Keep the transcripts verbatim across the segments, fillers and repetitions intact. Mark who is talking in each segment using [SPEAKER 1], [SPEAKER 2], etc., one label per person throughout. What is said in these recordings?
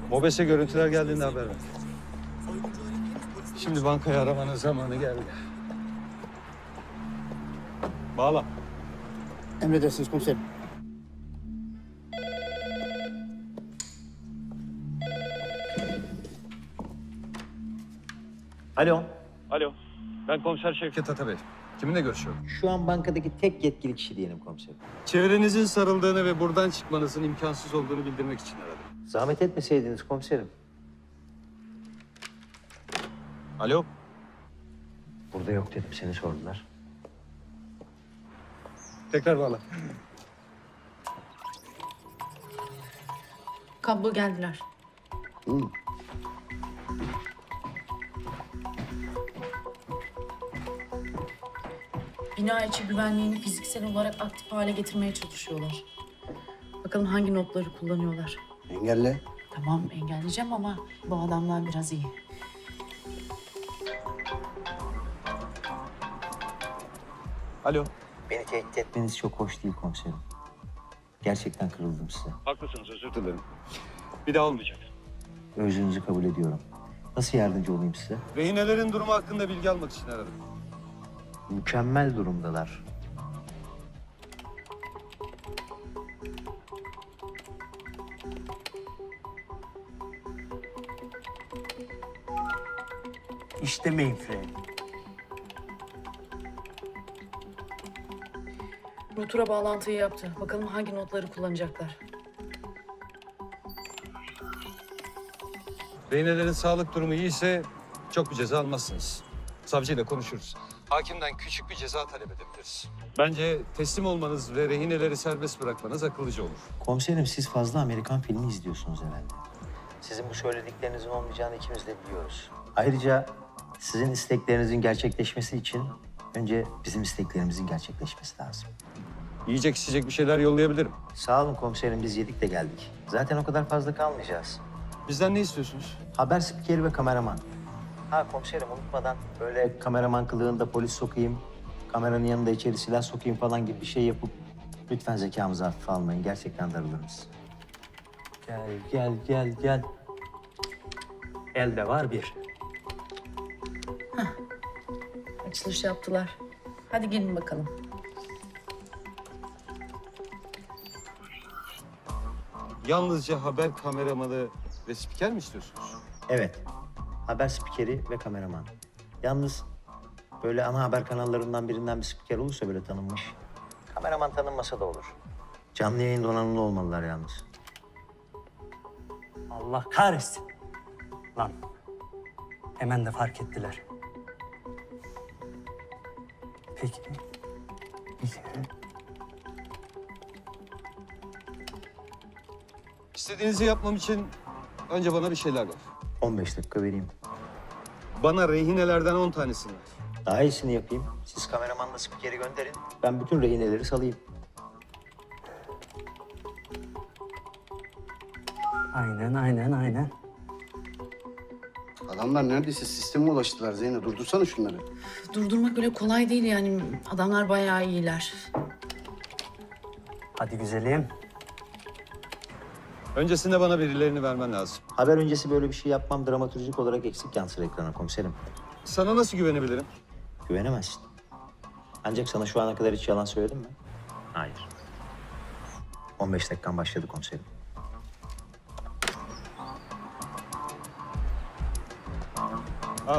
[SPEAKER 1] Mobese görüntüler geldiğinde haber ver. Şimdi bankayı aramanın zamanı geldi. Bağla.
[SPEAKER 2] Emredersiniz komiserim.
[SPEAKER 3] Alo.
[SPEAKER 1] Alo. Ben komiser Şevket Atabey. Kiminle görüşüyorum?
[SPEAKER 3] Şu an bankadaki tek yetkili kişi diyelim komiserim.
[SPEAKER 1] Çevrenizin sarıldığını ve buradan çıkmanızın imkansız olduğunu bildirmek için aradım.
[SPEAKER 3] Zahmet etmeseydiniz komiserim.
[SPEAKER 1] Alo.
[SPEAKER 3] Burada yok dedim, seni sordular.
[SPEAKER 1] Tekrar bağla.
[SPEAKER 4] Kablo geldiler.
[SPEAKER 2] Hı.
[SPEAKER 4] Bina içi güvenliğini fiziksel olarak aktif hale getirmeye çalışıyorlar. Bakalım hangi notları kullanıyorlar.
[SPEAKER 2] Engelle.
[SPEAKER 4] Tamam engelleyeceğim ama bu adamlar biraz iyi.
[SPEAKER 1] Alo.
[SPEAKER 3] Beni tehdit etmeniz çok hoş değil komiserim. Gerçekten kırıldım size.
[SPEAKER 1] Haklısınız, özür dilerim. Bir daha olmayacak.
[SPEAKER 3] Özrünüzü kabul ediyorum. Nasıl yardımcı olayım size?
[SPEAKER 1] Rehinelerin durumu hakkında bilgi almak için aradım.
[SPEAKER 3] Mükemmel durumdalar.
[SPEAKER 5] İşte mainframe.
[SPEAKER 4] Router'a bağlantıyı yaptı. Bakalım hangi notları kullanacaklar.
[SPEAKER 1] Rehinelerin sağlık durumu iyiyse çok bir ceza almazsınız. Savcıyla konuşuruz. Hakimden küçük bir ceza talep edebiliriz. Bence teslim olmanız ve rehineleri serbest bırakmanız akıllıca olur.
[SPEAKER 3] Komiserim, siz fazla Amerikan filmi izliyorsunuz herhalde. Sizin bu söylediklerinizin olmayacağını ikimiz de biliyoruz. Ayrıca sizin isteklerinizin gerçekleşmesi için önce bizim isteklerimizin gerçekleşmesi lazım.
[SPEAKER 1] Yiyecek içecek bir şeyler yollayabilirim.
[SPEAKER 3] Sağ olun komiserim, biz yedik de geldik. Zaten o kadar fazla kalmayacağız.
[SPEAKER 1] Bizden ne istiyorsunuz?
[SPEAKER 3] Haber spikeri ve kameraman. Ha komiserim, unutmadan böyle kameraman kılığında polis sokayım, kameranın yanında içeri silah sokayım falan gibi bir şey yapıp lütfen zekamızı hafife almayın. Gerçekten darılırız.
[SPEAKER 5] Gel, gel, gel, gel. Elde var bir.
[SPEAKER 4] Açılış yaptılar. Hadi gelin bakalım.
[SPEAKER 1] Yalnızca haber kameramanı ve spiker mi istiyorsunuz?
[SPEAKER 3] Evet, haber spikeri ve kameraman. Yalnız böyle ana haber kanallarından birinden bir spiker olursa böyle tanınmış. Kameraman tanınmasa da olur. Canlı yayın donanımlı olmalılar yalnız.
[SPEAKER 5] Allah kahretsin. Lan. Hemen de fark ettiler. Peki. Peki.
[SPEAKER 1] İstediğinizi yapmam için önce bana bir şeyler ver.
[SPEAKER 3] on beş dakika vereyim.
[SPEAKER 1] Bana rehinelerden on tanesini ver.
[SPEAKER 3] Daha iyisini yapayım. Siz kameramanla spikeri gönderin. Ben bütün rehineleri salayım.
[SPEAKER 5] Aynen, aynen, aynen.
[SPEAKER 2] Adamlar neredeyse sisteme ulaştılar Zeynep. Durdursana şunları.
[SPEAKER 4] Durdurmak öyle kolay değil yani. Adamlar bayağı iyiler.
[SPEAKER 5] Hadi güzelim.
[SPEAKER 1] Öncesinde bana verilerini vermen lazım.
[SPEAKER 3] Haber öncesi böyle bir şey yapmam dramatürjik olarak eksik yansır ekrana komiserim.
[SPEAKER 1] Sana nasıl güvenebilirim?
[SPEAKER 3] Güvenemezsin. Ancak sana şu ana kadar hiç yalan söyledim mi? Hayır. on beş dakikan başladı komiserim.
[SPEAKER 1] Al.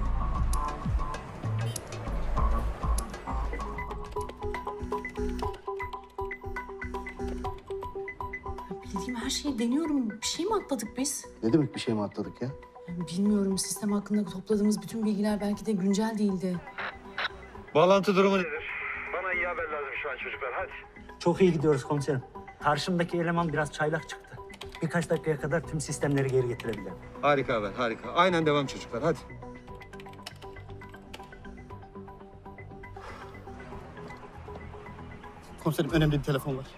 [SPEAKER 4] Bildiğim her şeyi deniyorum. Bir şey mi atladık biz?
[SPEAKER 2] Ne demek bir şey mi atladık ya?
[SPEAKER 4] Yani bilmiyorum. Sistem hakkında topladığımız bütün bilgiler belki de güncel değildi.
[SPEAKER 1] Bağlantı durumu nedir? Bana iyi haber lazım şu an çocuklar, hadi.
[SPEAKER 5] Çok iyi gidiyoruz komiserim. Karşımdaki eleman biraz çaylak çıktı. Birkaç dakikaya kadar tüm sistemleri geri getirebilirim.
[SPEAKER 1] Harika haber, harika. Aynen devam çocuklar, hadi.
[SPEAKER 2] Komiserim önemli bir telefon var.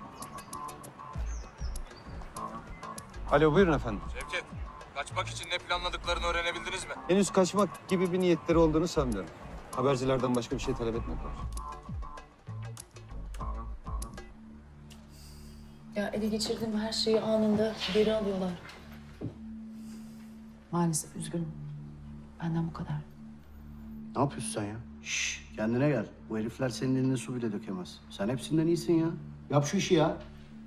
[SPEAKER 1] Alo, buyurun efendim.
[SPEAKER 6] Şevket, kaçmak için ne planladıklarını öğrenebildiniz mi?
[SPEAKER 1] Henüz kaçmak gibi bir niyetleri olduğunu sanmıyorum. Habercilerden başka bir şey talep etmediler.
[SPEAKER 4] Ya ele geçirdiğim her şeyi anında geri alıyorlar. Maalesef üzgünüm. Benden bu kadar.
[SPEAKER 2] Ne yapıyorsun sen ya? Şşş, kendine gel. Bu herifler senin eline su bile dökemez. Sen hepsinden iyisin ya. Yap şu işi ya.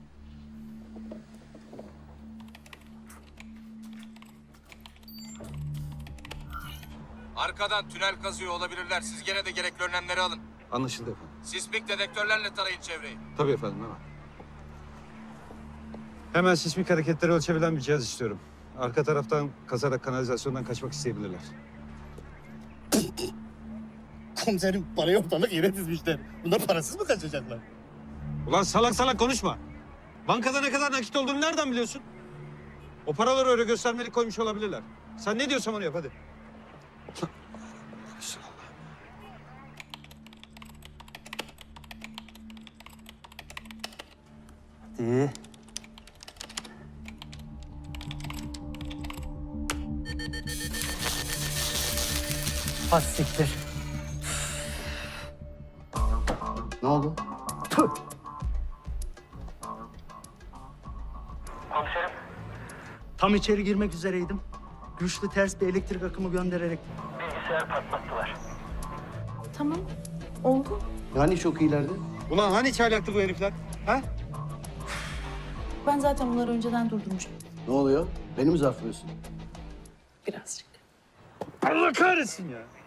[SPEAKER 6] Arkadan tünel kazıyor olabilirler. Siz gene de gerekli önlemleri alın.
[SPEAKER 1] Anlaşıldı efendim.
[SPEAKER 6] Sismik dedektörlerle tarayın çevreyi.
[SPEAKER 1] Tabii efendim, hemen. Hemen sismik hareketleri ölçebilen bir cihaz istiyorum. Arka taraftan kazarak kanalizasyondan kaçmak isteyebilirler.
[SPEAKER 2] Komiserim parayı ortalık yere dizmişler. Bunlar parasız mı kaçacaklar?
[SPEAKER 1] Ulan salak salak konuşma. Bankada ne kadar nakit olduğunu nereden biliyorsun? O paraları öyle göstermelik koymuş olabilirler. Sen ne diyorsan onu yap hadi.
[SPEAKER 5] Hadi. Hadi siktir.
[SPEAKER 2] Ne oldu?
[SPEAKER 5] Tam içeri girmek üzereydim. Güçlü ters bir elektrik akımı göndererek
[SPEAKER 4] Tamam. Oldu.
[SPEAKER 2] Yani çok iyilerdi.
[SPEAKER 1] Ulan hani çaylaktı bu herifler? Ha?
[SPEAKER 4] Ben zaten bunları önceden durdurmuştum.
[SPEAKER 2] Ne oluyor? Beni mi zarflıyorsun?
[SPEAKER 4] Birazcık.
[SPEAKER 1] Allah kahretsin ya.